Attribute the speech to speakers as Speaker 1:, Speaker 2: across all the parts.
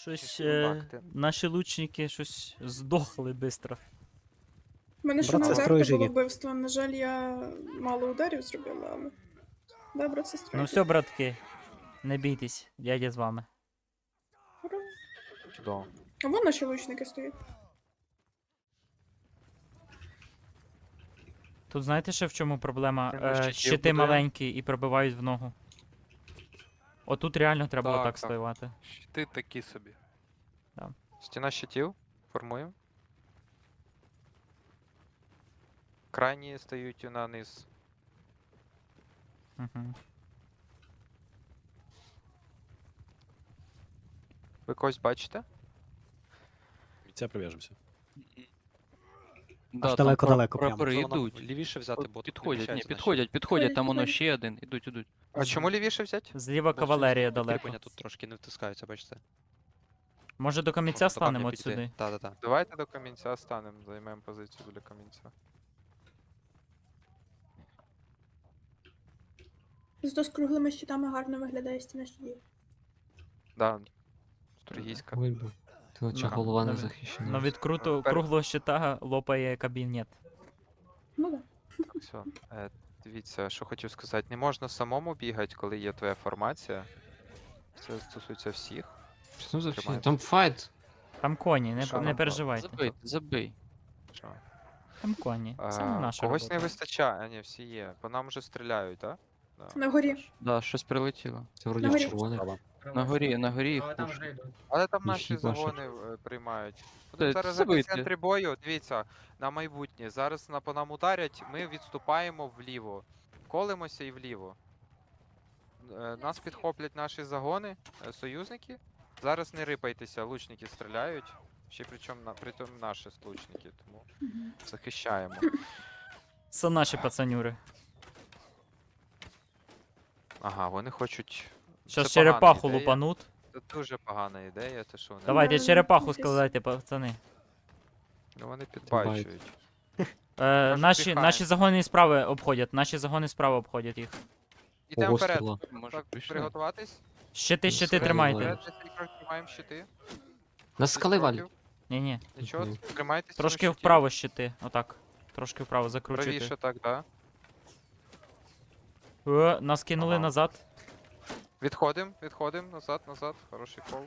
Speaker 1: Щось
Speaker 2: Чисті факти.
Speaker 1: наші лучники щось здохли швидко.
Speaker 3: У мене ще
Speaker 4: Брат,
Speaker 3: на
Speaker 4: сестрою
Speaker 3: удар було
Speaker 4: живі.
Speaker 3: вбивство. На жаль, я мало ударів зробила, але. Да, брат, сестрою.
Speaker 1: Ну все, братки, не бійтесь, дядя з вами.
Speaker 3: Ура.
Speaker 2: Чудово.
Speaker 3: А вон наші лучники стоять.
Speaker 1: Тут знаєте ще в чому проблема?
Speaker 2: Він щитів
Speaker 1: Щити
Speaker 2: будує.
Speaker 1: маленькі і пробивають в ногу. Отут реально треба
Speaker 2: Так,
Speaker 1: отак
Speaker 2: так.
Speaker 1: стоювати.
Speaker 5: Щити такі собі.
Speaker 2: Стіна щитів. Формуємо. Крайні стають на низ.
Speaker 1: Угу.
Speaker 2: Ви когось бачите?
Speaker 4: Це прив'яжемося.
Speaker 6: Да,
Speaker 4: далеко-далеко прямо.
Speaker 6: прапори
Speaker 7: Зона
Speaker 6: йдуть.
Speaker 7: лівіше взяти, бо тут
Speaker 6: Підходять, ні,
Speaker 7: вміщається
Speaker 6: підходять, підходять, там воно
Speaker 3: Ходять.
Speaker 6: ще один. Ідуть, ідуть.
Speaker 2: А чому лівіше взяти?
Speaker 1: Зліва
Speaker 7: наші.
Speaker 1: кавалерія
Speaker 7: Бо
Speaker 1: далеко.
Speaker 7: кріплення тут трошки не втискаються, бачите.
Speaker 1: Може до камінця станемо от сюди?
Speaker 7: Так, так.
Speaker 2: Давайте до камінця станемо, займемо позицію біля камінця.
Speaker 3: Зато з круглими щитами гарно виглядає стіна щитів.
Speaker 2: Да. Строгійська.
Speaker 8: Ой, бо. Ти очі
Speaker 1: Да,
Speaker 8: голова не
Speaker 1: навіть-
Speaker 8: захищена.
Speaker 1: Ну від
Speaker 2: Пер-
Speaker 1: круглого щита лопає кабінет.
Speaker 3: Ну да.
Speaker 2: Все. Дивіться, що хотів сказати. Не можна самому бігати, коли є твоя формація. Це стосується всіх.
Speaker 8: Що там за фігня?
Speaker 2: Тримається.
Speaker 8: Там файт.
Speaker 1: Там коні,
Speaker 2: Що
Speaker 1: не
Speaker 2: нам
Speaker 1: переживайте.
Speaker 6: Забий, забий.
Speaker 2: Що?
Speaker 1: Там коні. Це не наша
Speaker 2: Когось
Speaker 1: робота.
Speaker 2: не вистачає, а ні, всі є. По нам вже стріляють, так? Да?
Speaker 3: На горі.
Speaker 6: Да, щось прилетіло.
Speaker 8: Це вроді
Speaker 3: Нагорі.
Speaker 8: червоне.
Speaker 6: На горі їх
Speaker 9: Але там
Speaker 6: пушать.
Speaker 9: вже йдуть.
Speaker 2: Але там
Speaker 8: Їх
Speaker 2: наші
Speaker 8: їбашать.
Speaker 2: загони приймають. Будемо
Speaker 6: Це
Speaker 2: зараз в
Speaker 6: забийте.
Speaker 2: центрі бою. Дивіться, на майбутнє. Зараз по нам ударять, ми відступаємо вліво. Колимося і вліво. Нас підхоплять наші загони, союзники. Зараз не рипайтеся, лучники стріляють. Ще причому наші лучники, тому захищаємо.
Speaker 1: Це наші пацанюри.
Speaker 2: Ага, вони хочуть.
Speaker 1: Щас
Speaker 2: Це погана
Speaker 1: черепаху
Speaker 2: ідея.
Speaker 1: лупанут.
Speaker 2: Це дуже погана ідея, те що вони.
Speaker 1: Давайте
Speaker 3: Да,
Speaker 1: черепаху
Speaker 3: якось.
Speaker 1: складайте, пацани.
Speaker 2: Ну вони підбачують.
Speaker 1: Наші
Speaker 2: піхаємо.
Speaker 1: загони справи обходять. Наші загони справа обходять їх.
Speaker 2: Ідемо
Speaker 8: Ого,
Speaker 2: вперед.
Speaker 8: стріла.
Speaker 6: Може,
Speaker 2: Так,
Speaker 6: пішли.
Speaker 2: приготуватись.
Speaker 1: Щити
Speaker 8: Справа
Speaker 1: тримайте.
Speaker 8: левая.
Speaker 2: Вперед, 10 кроків тримаємо щити.
Speaker 8: Нас скали валять.
Speaker 1: Ні-ні.
Speaker 2: Нічого,
Speaker 8: Мгм.
Speaker 2: тримайтеся.
Speaker 1: Трошки вправо щити. Отак. Трошки вправо закручуйте.
Speaker 2: Правіше так, да.
Speaker 1: Нас кинули
Speaker 2: Ага.
Speaker 1: назад.
Speaker 2: Відходим, назад, хороший кол.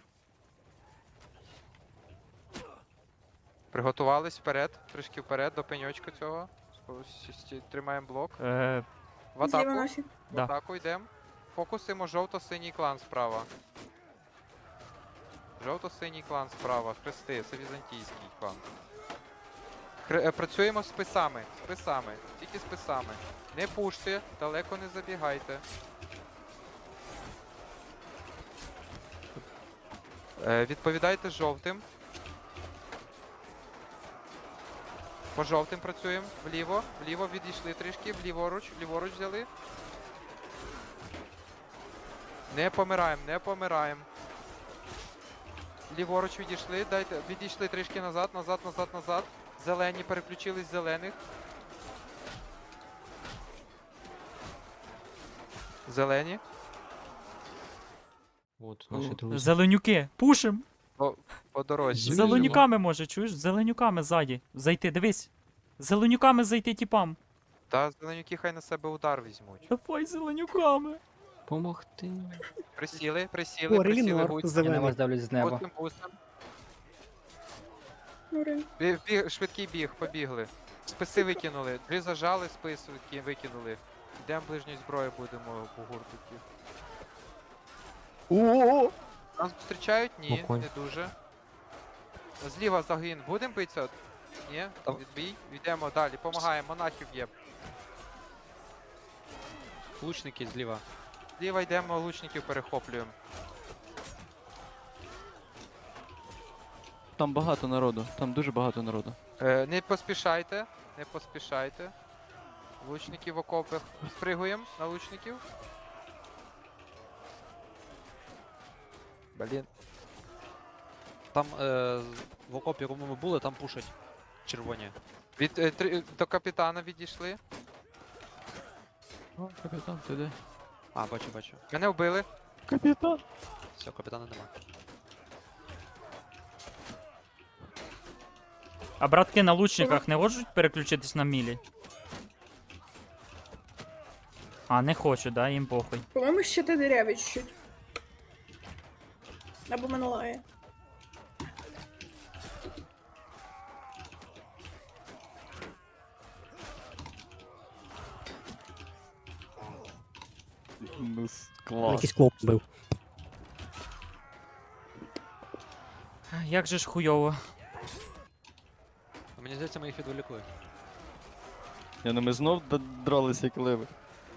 Speaker 2: Приготувались вперед, трішки вперед до пеньочка цього. Тримаємо блок. В
Speaker 3: Зліва
Speaker 2: атаку.
Speaker 3: наші.
Speaker 2: В
Speaker 1: Да.
Speaker 2: атаку йдемо. Фокусимо жовто-синій клан справа. Жовто-синій клан справа. Хрести, це візантійський клан. Працюємо з списами. Тільки списами. Не пуште, далеко не забігайте. Відповідайте жовтим. По жовтим працюємо. Вліво відійшли трішки, ліворуч взяли. Не помираємо. Ліворуч відійшли, відійшли трішки назад. Зелені, переключились з зелених. Зелені.
Speaker 8: От, наші друзі.
Speaker 1: Зеленюки, пушим!
Speaker 2: По дорозі.
Speaker 8: Зелені.
Speaker 1: Зеленюками може, чуєш? Зеленюками ззаді. Зайти, дивись. Зеленюками зайти тіпам.
Speaker 2: Та зеленюки хай на себе удар візьмуть.
Speaker 1: Давай зеленюками.
Speaker 8: Помогти.
Speaker 2: Присіли,
Speaker 4: О, Релінор,
Speaker 2: гусь.
Speaker 4: зелений.
Speaker 9: здавлюсь з неба.
Speaker 2: Бустим.
Speaker 3: Ура.
Speaker 2: Швидкий біг, побігли. Списи викинули. Три зажали, спис викинули. Йдемо ближньої зброї будемо по гурту.
Speaker 4: О!
Speaker 2: Нас зустрічають? Ні,
Speaker 8: Оконь.
Speaker 2: не дуже. Зліва загін. Будемо битися? Ні,
Speaker 7: Там-
Speaker 2: відбій. Йдемо далі, помагаємо, монахів є.
Speaker 7: Лучники зліва.
Speaker 2: Зліва йдемо, лучників перехоплюємо.
Speaker 6: Там багато народу, там дуже багато народу.
Speaker 2: Не поспішайте. Лучники в окопах. Спригуємо на лучників.
Speaker 7: Блін. Там в окопі, кому ми були, там пушать. Червоні.
Speaker 2: До капітана відійшли.
Speaker 6: О, капітан, ти де?
Speaker 7: А, бачу.
Speaker 2: Мене вбили.
Speaker 6: Капітан!
Speaker 7: Все, капітана нема.
Speaker 1: А братки на лучниках не можуть переключитись на мілі? А, не хочу, да, їм похуй.
Speaker 3: По-моєму, ще ти диряві чуть-чуть. Або минулає.
Speaker 4: Якийсь клоп бив.
Speaker 1: Як же ж хуйово.
Speaker 7: Мені здається, ми їх відволікли.
Speaker 6: Я ну ми знов дралися як ливи.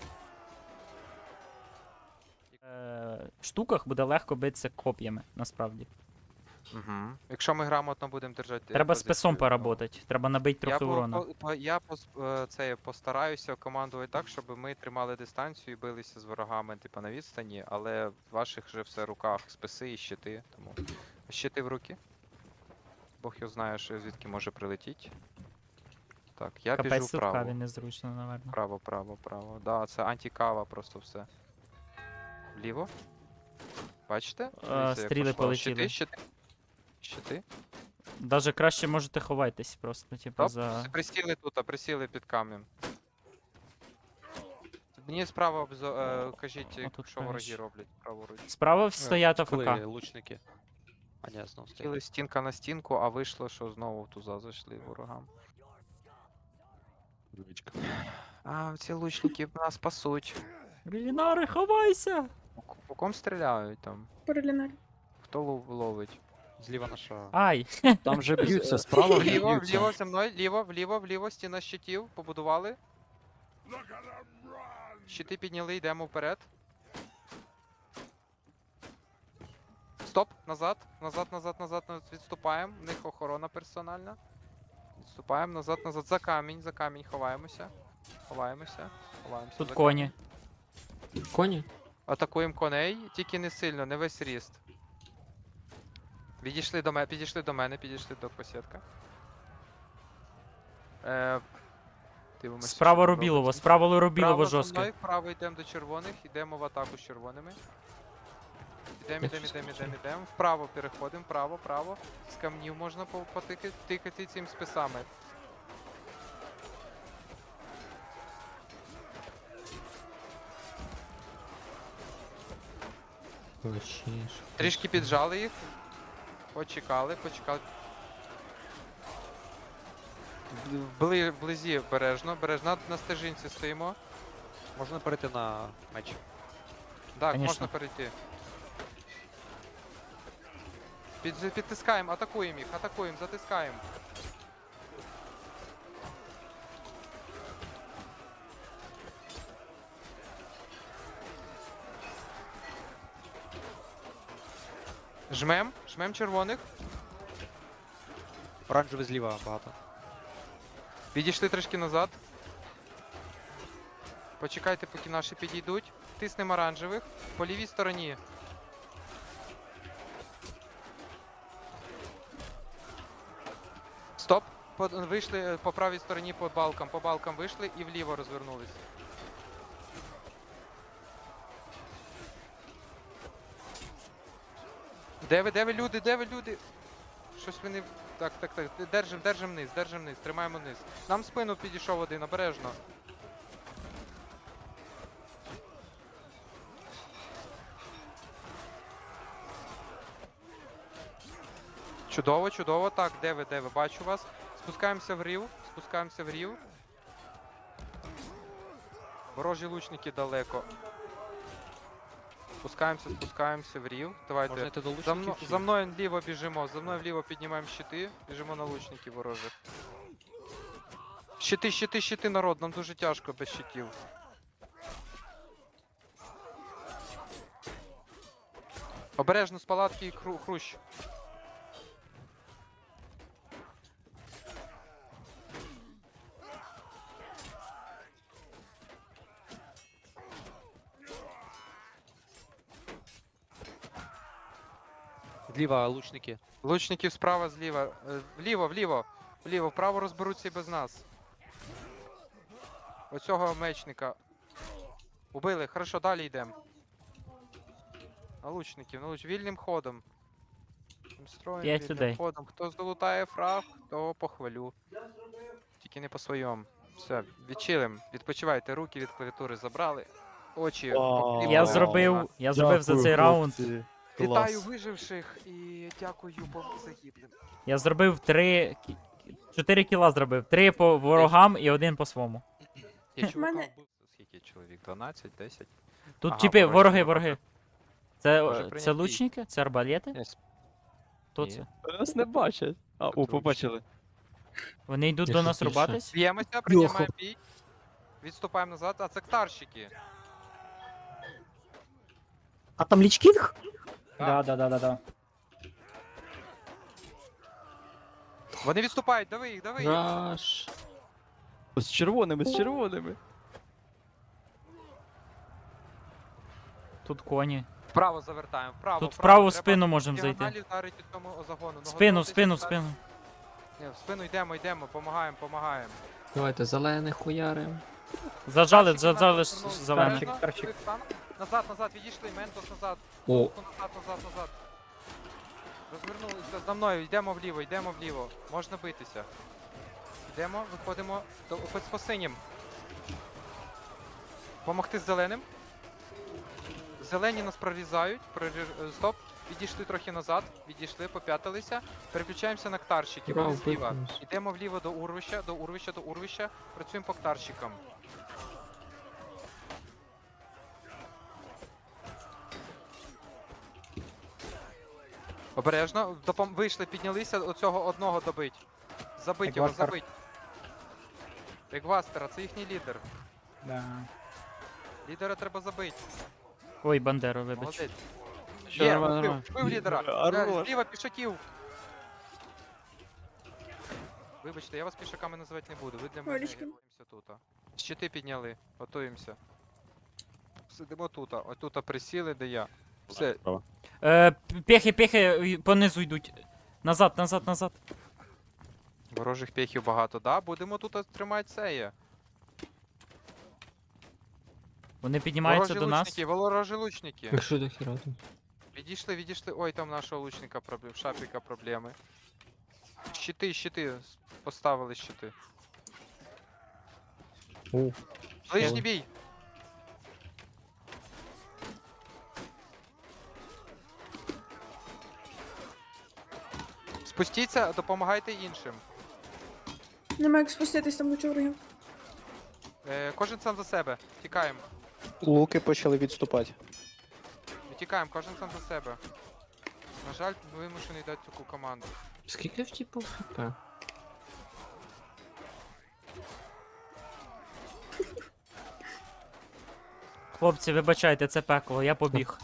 Speaker 1: Штуках буде легко битися коп'ями, насправді.
Speaker 2: Угу. Якщо ми грамотно будемо держати.
Speaker 1: Треба з
Speaker 2: позицію,
Speaker 1: песом
Speaker 2: ну,
Speaker 1: поработати. Треба набити
Speaker 2: Я,
Speaker 1: трохи урона.
Speaker 2: постараюся командувати так, щоб ми тримали дистанцію і билися з ворогами, типу, на відстані, але в ваших вже все руках списи і щити, тому. Щити в руки. Бог його знає, що звідки може прилетіти. Так, я біжу
Speaker 1: Капець тут
Speaker 2: вправо.
Speaker 1: каві незручно, напевно.
Speaker 2: Право, право, право. Да, це антикава просто все. Вліво. Бачите? Дивіться, як
Speaker 1: стріли
Speaker 2: пошло.
Speaker 1: полетіли.
Speaker 2: Щити. Щити.
Speaker 1: Даже краще можете ховайтесь просто, типу,
Speaker 2: Стоп,
Speaker 1: за.
Speaker 2: присіли тут, а присіли під камнем. Мені справа кажіть,
Speaker 1: Отут
Speaker 2: що вороги
Speaker 1: правіше.
Speaker 2: роблять праворуч.
Speaker 1: Справа стоять
Speaker 7: Коли
Speaker 1: АФК.
Speaker 7: лучники. А ні, знову стоять.
Speaker 2: Хотіли стінка на стінку, а вийшло, що знову в туза зайшли ворогам.
Speaker 4: Двічка.
Speaker 2: А, ці лучники нас пасуть.
Speaker 1: Релінари, ховайся!
Speaker 2: По ком стріляють там?
Speaker 3: Порелінарі.
Speaker 2: Хто ловить?
Speaker 7: Зліва наша.
Speaker 1: Ай!
Speaker 6: Там же б'ються, справа вже
Speaker 2: Вліво,
Speaker 6: б'ються.
Speaker 2: вліво, зі мною, вліво, стіна щитів, побудували. Щити підняли, йдемо вперед. Стоп, назад, відступаємо. В них охорона персональна. Відступаємо, назад, за камінь, ховаємося. Ховаємося.
Speaker 1: Тут
Speaker 2: за
Speaker 1: коні.
Speaker 8: Коні?
Speaker 2: Атакуємо коней, тільки не сильно, не весь ріст. Підійшли до мене, підійшли до посідка. Дивимося,
Speaker 1: Справа
Speaker 2: що там
Speaker 1: Рубілово,
Speaker 2: робиться.
Speaker 1: справа Рубілово
Speaker 2: Право за
Speaker 1: жорстко.
Speaker 2: мною, вправо йдемо до червоних, йдемо в атаку з червоними. Йдемо. Вправо переходимо, право. З камнів можна тикати цим списами. Трішки піджали їх. Почекали. Вблизі бережно, на стежинці стоїмо.
Speaker 7: Можна перейти на меч.
Speaker 2: Так,
Speaker 1: Конечно.
Speaker 2: можна перейти. Підтискаємо, атакуємо їх, затискаємо. Жмем червоних.
Speaker 7: Оранжевий зліва багато.
Speaker 2: Відійшли трішки назад. Почекайте, поки наші підійдуть. Тиснемо оранжевих. По лівій стороні. Стоп. Вийшли по правій стороні по балкам вийшли і вліво розвернулись. Де ви люди? Щось вони... Так. Держим низ, тримаємо низ. Нам в спину підійшов один, обережно. Чудово. Так, де ви? Бачу вас. Спускаємося в рів. Ворожі лучники далеко. Спускаємося в рів. Давайте.
Speaker 7: Можна йти до
Speaker 2: За,
Speaker 7: лучників. чи-
Speaker 2: за мною вліво біжимо, вліво піднімаємо щити, біжимо на лучників ворожих. Щити, народ, нам дуже тяжко без щитів. Обережно з палатки і хрущ.
Speaker 7: Зліва лучники.
Speaker 2: Лучників справа, зліва. Вліво, вправо розберуться і без нас. Оцього мечника. Убили, хорошо, далі йдемо. На лучників, вільним ходом. Робочим строєм,
Speaker 1: 5
Speaker 2: вільним
Speaker 1: людей.
Speaker 2: ходом. Хто залутає фраг, того похвалю. Тільки не по своєму. Все, відчилим. Відпочивайте, руки від клавіатури забрали. Очі
Speaker 4: Вау.
Speaker 2: покріпили.
Speaker 1: Я зробив за цей раунд.
Speaker 2: Вітаю виживших і дякую загиблим.
Speaker 1: Я зробив 4 кіла зробив. 3 по ворогам і 1 по своєму.
Speaker 2: Я чувака
Speaker 3: Мене-
Speaker 2: вбив. Скільки чоловік? 12, 10?
Speaker 1: Тут
Speaker 2: Ага,
Speaker 1: типи,
Speaker 2: ворожі
Speaker 1: вороги.
Speaker 2: Може
Speaker 1: Це
Speaker 2: прийняти бій.
Speaker 1: лучники? Це арбалети?
Speaker 2: Ні,
Speaker 1: Хто
Speaker 2: ні.
Speaker 1: це?
Speaker 6: Нас не бачать. А, о,
Speaker 2: Точно.
Speaker 6: побачили.
Speaker 1: Вони йдуть
Speaker 8: Я
Speaker 1: до
Speaker 8: щось
Speaker 1: нас
Speaker 8: більше.
Speaker 1: рубатись?
Speaker 2: Б'ємося, приймаємо бій. Відступаємо назад, а це ктарщики.
Speaker 8: А там лічкінг?
Speaker 5: Да.
Speaker 2: Вони відступають, дави їх, дави їх.
Speaker 8: Раш.
Speaker 6: З червоними, з червоними.
Speaker 1: Тут коні.
Speaker 2: Вправо завертаємо, вправо.
Speaker 1: Тут вправо в
Speaker 2: Треба
Speaker 1: спину можемо зайти.
Speaker 2: діагоналі вдарити цьому загону.
Speaker 1: В спину, в спину, в
Speaker 2: Готуйтесь,
Speaker 1: спину.
Speaker 2: Ні, в спину йдемо, помагаємо.
Speaker 8: Давайте зелених хуярим.
Speaker 1: Зажали
Speaker 2: Ктарщики нас розвернули.
Speaker 1: зелених.
Speaker 2: Обережно,
Speaker 5: Ктарщик.
Speaker 2: стан. Назад, відійшли, ментос назад.
Speaker 8: О,
Speaker 2: Назад. Розвернулися за мною, йдемо вліво. Можна битися. Йдемо, виходимо по синім. Помогти з зеленим. Зелені нас прорізають. Стоп. Відійшли трохи назад. Поп'ятилися. Переключаємося на ктарщиків. Вони
Speaker 8: Браво,
Speaker 2: зліва.
Speaker 8: випнувся.
Speaker 2: Йдемо вліво до урвища. Працюємо по ктарщикам. Обережно. Вийшли, піднялися, оцього одного добить. Забить його,
Speaker 5: Егвастер.
Speaker 2: забить. Егвастера, це їхній лідер.
Speaker 5: Да.
Speaker 2: Лідера треба забити.
Speaker 1: Ой, Бандеру, вибач.
Speaker 2: Молодець.
Speaker 6: Що,
Speaker 2: Є,
Speaker 6: нормально,
Speaker 2: вбив,
Speaker 6: нормально.
Speaker 2: вбив лідера.
Speaker 6: Хорош.
Speaker 2: Зліва пішаків. Вибачте, я вас пішаками називати не буду. Ви для мене
Speaker 3: Олечка.
Speaker 2: готуємося тут. Щити підняли, готуємося. Сидимо тут, отут присіли, де я. Все,
Speaker 1: Пехи понизу йдуть. Назад.
Speaker 2: ворожих пехів багато, да? Будемо тут тримати це.
Speaker 1: Вони піднімаються до нас.
Speaker 2: Ворожі лучники.
Speaker 8: якщо до хіра тут.
Speaker 2: Відійшли. Ой, там нашого лучника проблем, шапіка проблеми. Щити, поставили щити.
Speaker 8: О,
Speaker 2: Ближній бій. Спустіться, допомагайте іншим.
Speaker 3: Нема як спуститись, там куча ворогів.
Speaker 2: Кожен сам за себе. Тікаємо.
Speaker 4: Луки почали відступати.
Speaker 2: Тікаємо, кожен сам за себе. На жаль, вимушений дати таку команду.
Speaker 8: скільки в типу хп?
Speaker 1: Хлопці, вибачайте, це пекло, я побіг.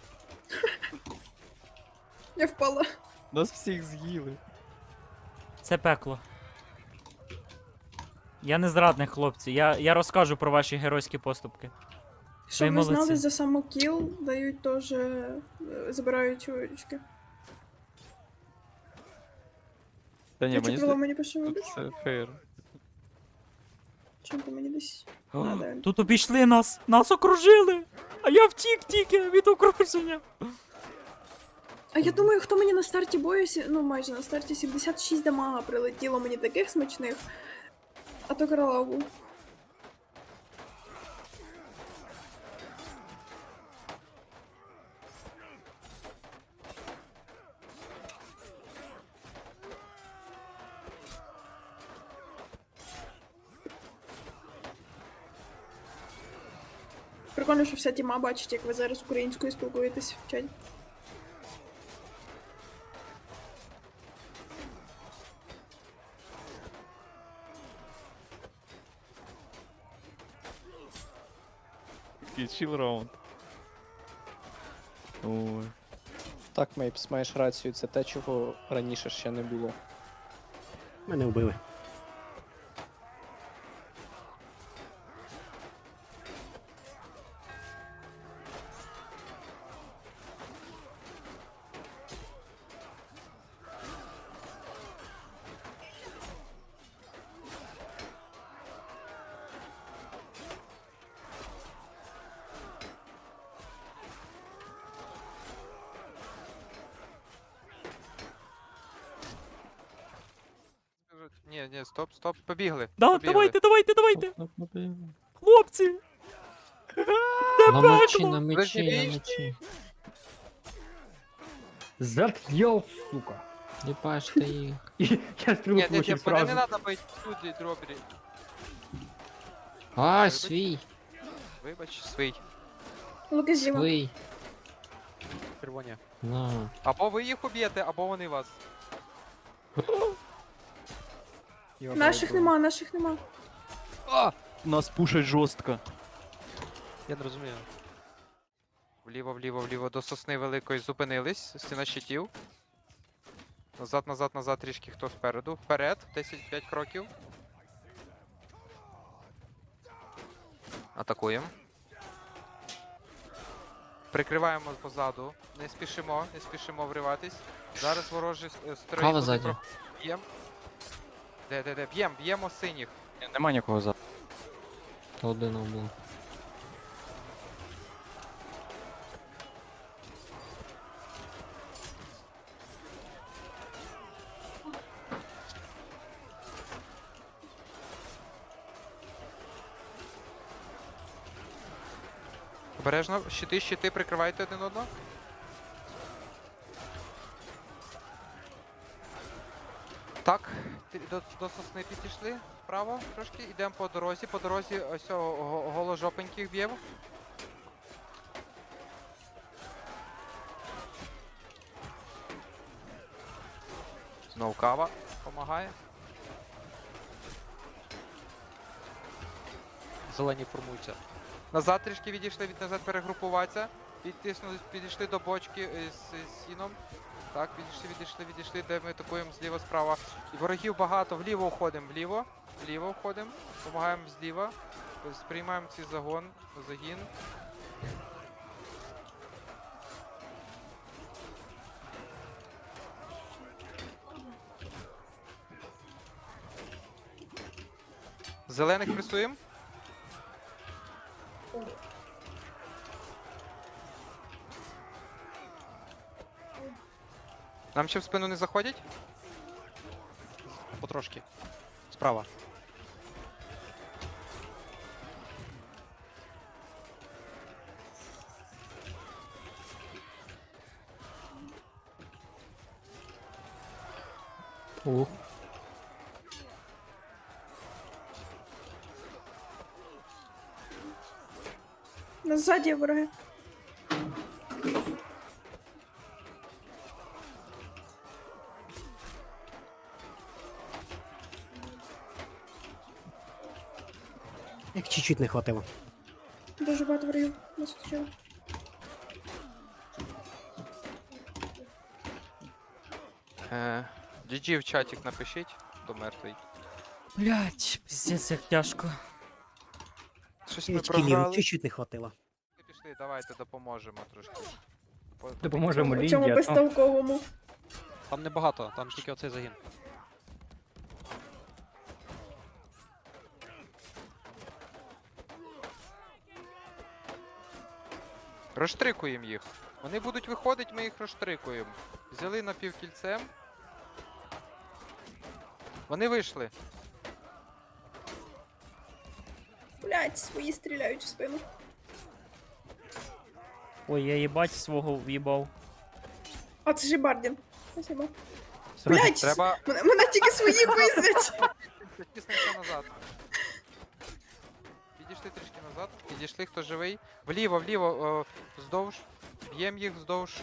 Speaker 3: Я впала.
Speaker 6: Нас всіх з'їли.
Speaker 1: Це пекло. Я не зрадник, хлопці. Я розкажу про ваші геройські поступки.
Speaker 3: Щоб ви
Speaker 1: молодці.
Speaker 3: знали, за самокіл дають теж, забирають очки.
Speaker 6: Та ні,
Speaker 3: Я
Speaker 6: мені
Speaker 3: чуть було мені пише,
Speaker 6: тут
Speaker 3: вибач.
Speaker 6: все фейр.
Speaker 3: Чим ти мені десь?
Speaker 6: О,
Speaker 3: А, да.
Speaker 1: Тут обійшли нас! Нас окружили! А я втік тільки від окруження.
Speaker 3: А я думаю, хто мені на старті бою, ну майже на старті 76 дамага прилетіло мені таких смачних. А то королав був. Прикольно, що вся тіма бачить, як ви зараз українською спілкуєтесь в чаті.
Speaker 6: такий чіл раунд. Ой.
Speaker 4: Так, Мейпс, маєш рацію, це те, чого раніше ще не було.
Speaker 8: Мене вбили.
Speaker 2: Ні, стоп, побігли.
Speaker 1: Да,
Speaker 2: побігли.
Speaker 1: давайте! Хлопці!
Speaker 8: На мечі,
Speaker 1: пекло!
Speaker 8: на
Speaker 2: Ви ж
Speaker 8: мечі,
Speaker 2: не
Speaker 8: на
Speaker 2: вийшли?
Speaker 8: мечі.
Speaker 5: Зат'єл, сука.
Speaker 8: Їбаш ти їх.
Speaker 5: І я стрілу
Speaker 2: Ні,
Speaker 5: получив
Speaker 2: мене не
Speaker 5: сразу.
Speaker 2: треба бити люди дробрі.
Speaker 8: А, свій,
Speaker 2: Вибач, свій.
Speaker 3: Луки зліва.
Speaker 8: свій.
Speaker 7: Червоні.
Speaker 8: На.
Speaker 2: Або ви їх уб'єте, або вони вас.
Speaker 5: Його
Speaker 3: Наших
Speaker 5: пробував.
Speaker 3: нема.
Speaker 7: А!
Speaker 6: Нас пушать жорстко.
Speaker 7: Я не розумію.
Speaker 2: Вліво, до сосни великої зупинились. Стіна щитів. Назад, трішки хто спереду. Вперед, 10-5 кроків. Атакуємо. Прикриваємо позаду. Не спішимо вриватись. Зараз ворожі строї.
Speaker 8: Кава
Speaker 2: будуть
Speaker 8: ззаді.
Speaker 2: Б'єм. Де? Б'ємо синіх.
Speaker 6: Нема нікого за.
Speaker 8: Один був.
Speaker 2: Обережно, щити, прикривайте один одного. Так, до сосни підійшли. Вправо трошки, йдемо по дорозі. По дорозі ось голожопеньких б'ємо. Знов кава допомагає.
Speaker 7: Зелені формуються.
Speaker 2: Назад трішки відійшли, назад перегрупуватися. Підійшли до бочки з сіном. Так, відійшли, де ми атакуємо зліва, справа. І ворогів багато, вліво уходимо, вліво уходимо, допомагаємо зліва. Сприймаємо цей загін. Зелених пресуємо. Нам ще в спину не заходять?
Speaker 7: Потрошки. Справа.
Speaker 8: Ух.
Speaker 3: Ззаді вороги.
Speaker 8: Як чуть-чуть не хватило.
Speaker 3: Дуже багато ворогів нас оточили.
Speaker 2: GG в чатик напишіть, хто мертвий.
Speaker 1: Блять, пиздец, як тяжко.
Speaker 2: Щось ми програли.
Speaker 8: чуть-чуть не хватило.
Speaker 2: Пішли, давайте допоможемо трошки.
Speaker 5: Допоможемо
Speaker 3: У цьому
Speaker 5: Лінді, а то...
Speaker 3: безтолковому.
Speaker 7: Там небагато, там тільки оцей загін.
Speaker 2: Розштрикуємо їх. Вони будуть виходити, ми їх розштрикуємо. Взяли напівкільцем. Вони вийшли.
Speaker 3: Блять, свої стріляють в спину.
Speaker 1: Ой, я їбать свого в'їбав.
Speaker 3: А це ж і Бардін. Спасибо.
Speaker 5: Срочно.
Speaker 3: Блять,
Speaker 2: Треба
Speaker 3: мене тільки свої пиздять.
Speaker 2: тиснемося назад. Підійшли трішки назад. Підійшли, хто живий. Вліво, вздовж. Б'ємо їх вздовж.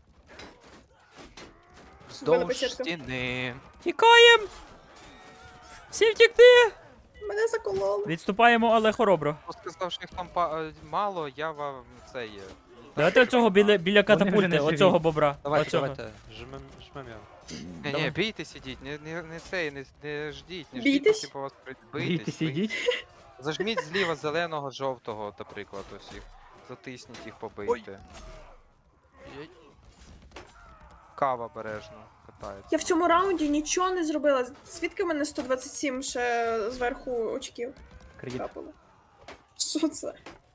Speaker 3: Вбили
Speaker 2: Вздовж
Speaker 3: бесідку.
Speaker 2: стіни.
Speaker 1: Тікаєм! Всі втікти!
Speaker 3: Мене закололи.
Speaker 1: Відступаємо, але хоробро.
Speaker 2: Хто сказав, що їх там мало, я вам це є.
Speaker 1: Давайте оцього біля
Speaker 5: вже
Speaker 1: катапульти,
Speaker 5: не живі.
Speaker 1: оцього бобра.
Speaker 7: Давайте,
Speaker 1: оцього.
Speaker 7: давайте. Жмем його.
Speaker 2: Ні,
Speaker 1: Давай.
Speaker 2: бійтесь, ідіть, не цей, не ждіть, не
Speaker 3: Бійтесь?
Speaker 2: ждіть, поки по вас прийдуть.
Speaker 5: Бійтесь, ідіть.
Speaker 2: Зажміть зліва зеленого, жовтого, наприклад, ось їх. Затисніть їх, побийте. Кава обережно катається.
Speaker 3: Я в цьому раунді нічого не зробила. Звідки в мене 127 ще зверху очків
Speaker 5: Кредит.
Speaker 3: капало? Що це?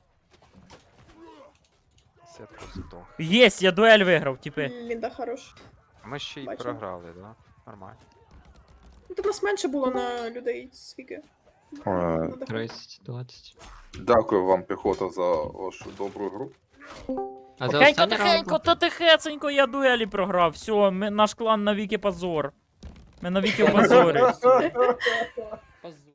Speaker 2: Сетку здох.
Speaker 1: Єсть, я дуель виграв, типи.
Speaker 3: Лінда хорош.
Speaker 2: Ми ще й
Speaker 3: Бачу.
Speaker 2: програли, да? Нормально.
Speaker 3: Ну, то нас менше було на людей, скільки? На даху.
Speaker 8: 30, 20.
Speaker 9: Дякую вам, піхота, за вашу добру гру.
Speaker 8: А це
Speaker 1: Тихенько,
Speaker 8: останній раунд?
Speaker 1: тихенько, та тихесенько, я дуелі програв. Все, наш клан навіки позор. Ми навіки в позорі.